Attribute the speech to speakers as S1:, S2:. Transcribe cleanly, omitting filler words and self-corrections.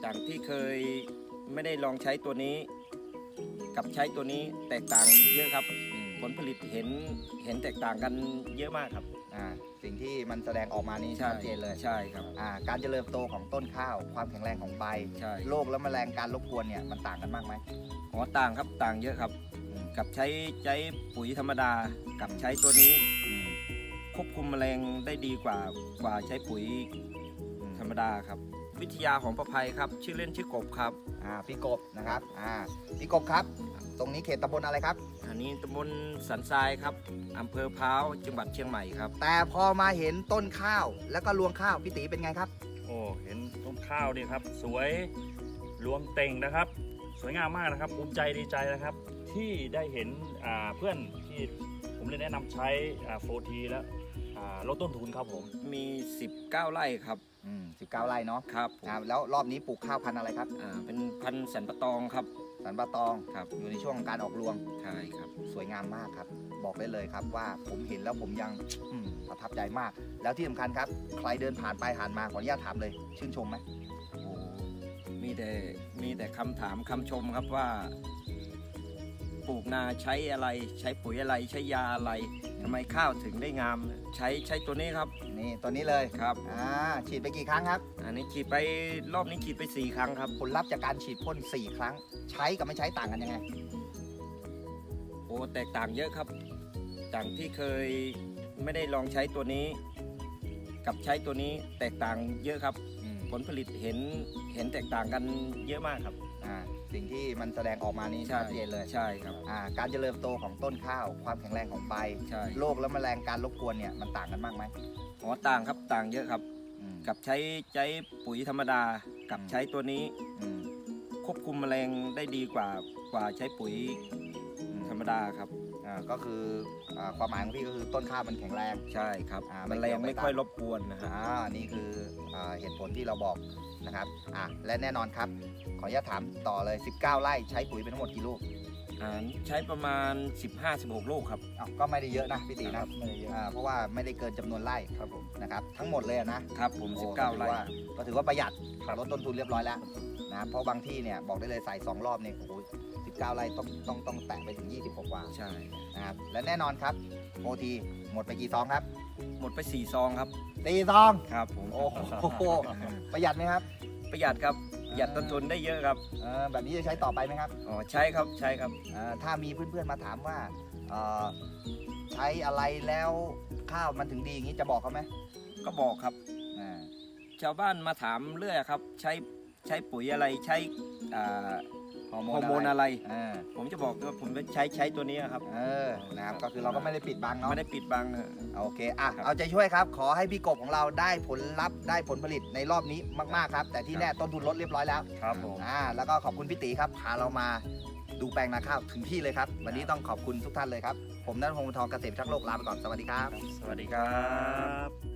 S1: จากที่เคยไม่ได้ลองใช้ตัวนี้ กับใช้ตัวนี้แตกต่างเยอะครับ ผลผลิตเห็นแตกต่างกันเยอะมากครับ
S2: สิ่งที่มันแสดงออกมานี่
S1: ใช่
S2: ชัดเจนเลย
S1: ใช่ครับ
S2: การเจริญโตของต้นข้าวความแข็งแรงของใบ
S1: ใช่
S2: โรคและแมลงการรบกวนเนี่ยมันต่างกันมากไหม
S1: อ๋อต่างครับต่างเยอะครับ กับใช้ปุ๋ยธรรมดากับใช้ตัวนี้ควบคุมแมลงได้ดีกว่าใช้ปุ๋ยธรรมดาครับ วิทยาของประภัยครับชื่อเล่นชื่อกบครับ
S2: พี่กบนะครับพี่กบครับ ตรงนี้เขตตำบลอะไรครับ
S1: อันนี้ตำบลสันทรายครับอำเภอพร้าวจังหวัดเชียงใหม่ครับ
S2: แต่พอมาเห็นต้นข้าวแล้วก็รวงข้าวพี่ตีเป็นไงครับ
S3: โอ้เห็นต้นข้าวนี่ครับสวยรวงเต่งนะครับ สวยงามมากนะครับภูมิใจดีใจนะครับ ที่ได้เห็นเพื่อนที่ผมได้แนะนำใช้โฟทีแล้วลดต้นทุนครับผม
S1: มี 19 ไร่ครับ
S2: 19 ไร่เนาะ
S1: ครับผม
S2: แล้วรอบนี้ปลูกข้าวพันธุ์อะไรครับ
S1: เป็นพันธุ์สันปะตองครับ
S2: สันปะตอง
S1: ครับ
S2: อยู่ในช่วงของการออกรวง
S1: ใช่ครับ
S2: สวยงามมากครับ บอกได้เลยครับว่าผมเห็นแล้วผมยังประทับใจมาก แล้วที่สำคัญครับ ใครเดินผ่านไปผ่านมาขออนุญาตถามเลย ชื่นชมไหม
S1: โอ้มีแต่คำถามคำชมครับว่า ปลูกนาใช้อะไรใช้ปุ๋ยอะไรใช้ยาอะไรทำไมข้าวถึงได้งาม ใช้ตัวนี้ครับ
S2: นี่ตัวนี้เลย
S1: ครับ
S2: ฉีดไปกี่ครั้งครับ
S1: อันนี้ฉีดไปรอบนี้ฉีดไป 4 ครั้งครับ
S2: ผลลัพธ์จากการฉีดพ่น4 ครั้ง ใช้กับไม่ใช้ต่างกันยังไง
S1: โอ้แตกต่างเยอะครับจากที่เคยไม่ได้ลองใช้ตัวนี้ กับใช้ตัวนี้แตกต่างเยอะครับ ผลผลิตเห็นแตกต่างกันเยอะมากครับ
S2: สิ่งที่มันแสดงออกมานี่
S1: ใช่
S2: ชัดเจนเลย
S1: ใช่ครับ
S2: การเจริญโตของต้นข้าว ความแข็งแรงของใบ
S1: ใช่
S2: โรคและแมลงการรบกวนเนี่ยมันต่างกันมากไหม
S1: อ๋อต่างครับต่างเยอะครับ กับใช้ปุ๋ยธรรมดากับใช้ตัวนี้ควบคุมแมลงได้ดีกว่าใช้ปุ๋ยธรรมดาครับ
S2: ก็คือความหมายของพี่ก็คือต้นข้าวมันแข็งแรง
S1: ใช่ครับ
S2: ไม่
S1: แมล
S2: เกี่ย
S1: ง
S2: วไม่
S1: ไม่ค่อย
S2: ต่าง
S1: รบกวนนะครับ
S2: นี่คือเหตุผลที่เราบอกนะครับและแน่นอนครับ ขออนุญาตถามต่อเลย 19 ไร่ใช้ปุ๋ยเป็นทั้งหมดกี่ลูก
S1: ใช้ประมาณ 15-16 ลูกครับ
S2: ก็ไม่ได้เยอะนะพี่ตีนะ
S1: ไม่ได้เยอะ
S2: เพราะว่าไม่ได้เกินจำนวนไร่
S1: ครับผม
S2: นะครับทั้งหมดเลยนะครับ
S1: ผม
S2: โอ้
S1: 19 ไร่
S2: ก็ถือว่าประหยัดลดต้นทุนเรียบร้อยแล้วนะเพราะบางที่เนี่ยบอกได้เลยใส่2 รอบเนี่ยโอ้โห19 ไร่ต้องแตะไปถึง26 กว่า
S1: ใช่
S2: นะครับและแน่นอนครับโอทีหมดไปกี่ซองครับ
S1: หมดไป4 ซองครับ
S2: 4 ซอง
S1: ครับผม
S2: โอ้โหประหยัดไหมครับ
S1: ประหยัดครับประหยัดต้นทุนได้เยอะครับ
S2: แบบนี้จะใช้ต่อไปไหมครับ
S1: อ๋อใช่ครับใช่ครับ
S2: ถ้ามีเพื่อนๆมาถามว่าใช้อะไรแล้วข้าวมันถึงดีอย่างนี้จะบอกเขาไหม
S1: ก็บอกครับ
S2: อ่า
S1: ชาวบ้านมาถามเรื่อยครับ ใช้ปุ๋ยอะไรใช้ฮอร์โมนอะไร ผมจะบอกว่าผมใช้ตัวนี้ครับ
S2: นะครับก็คือเราก็ไม่ได้ปิดบังเนาะ
S1: ไม่ได้ปิดบัง
S2: โอเคเอาใจช่วยครับ ขอให้พี่กบของเราได้ผลลัพธ์ได้ผลผลิตในรอบนี้มากๆครับ แต่ที่แน่ต้นทุนลดเรียบร้อยแล้ว
S3: ครับผม
S2: แล้วก็ขอบคุณพี่ตีครับพาเรามาดูแปลงนาข้าวถึงที่เลยครับ วันนี้ต้องขอบคุณทุกท่านเลยครับ ผมณัฐพงศ์ วงศ์ทองเกษตรพิทักษ์โลกลาไปก่อนสวัสดีครับ
S3: สวัสดีครับ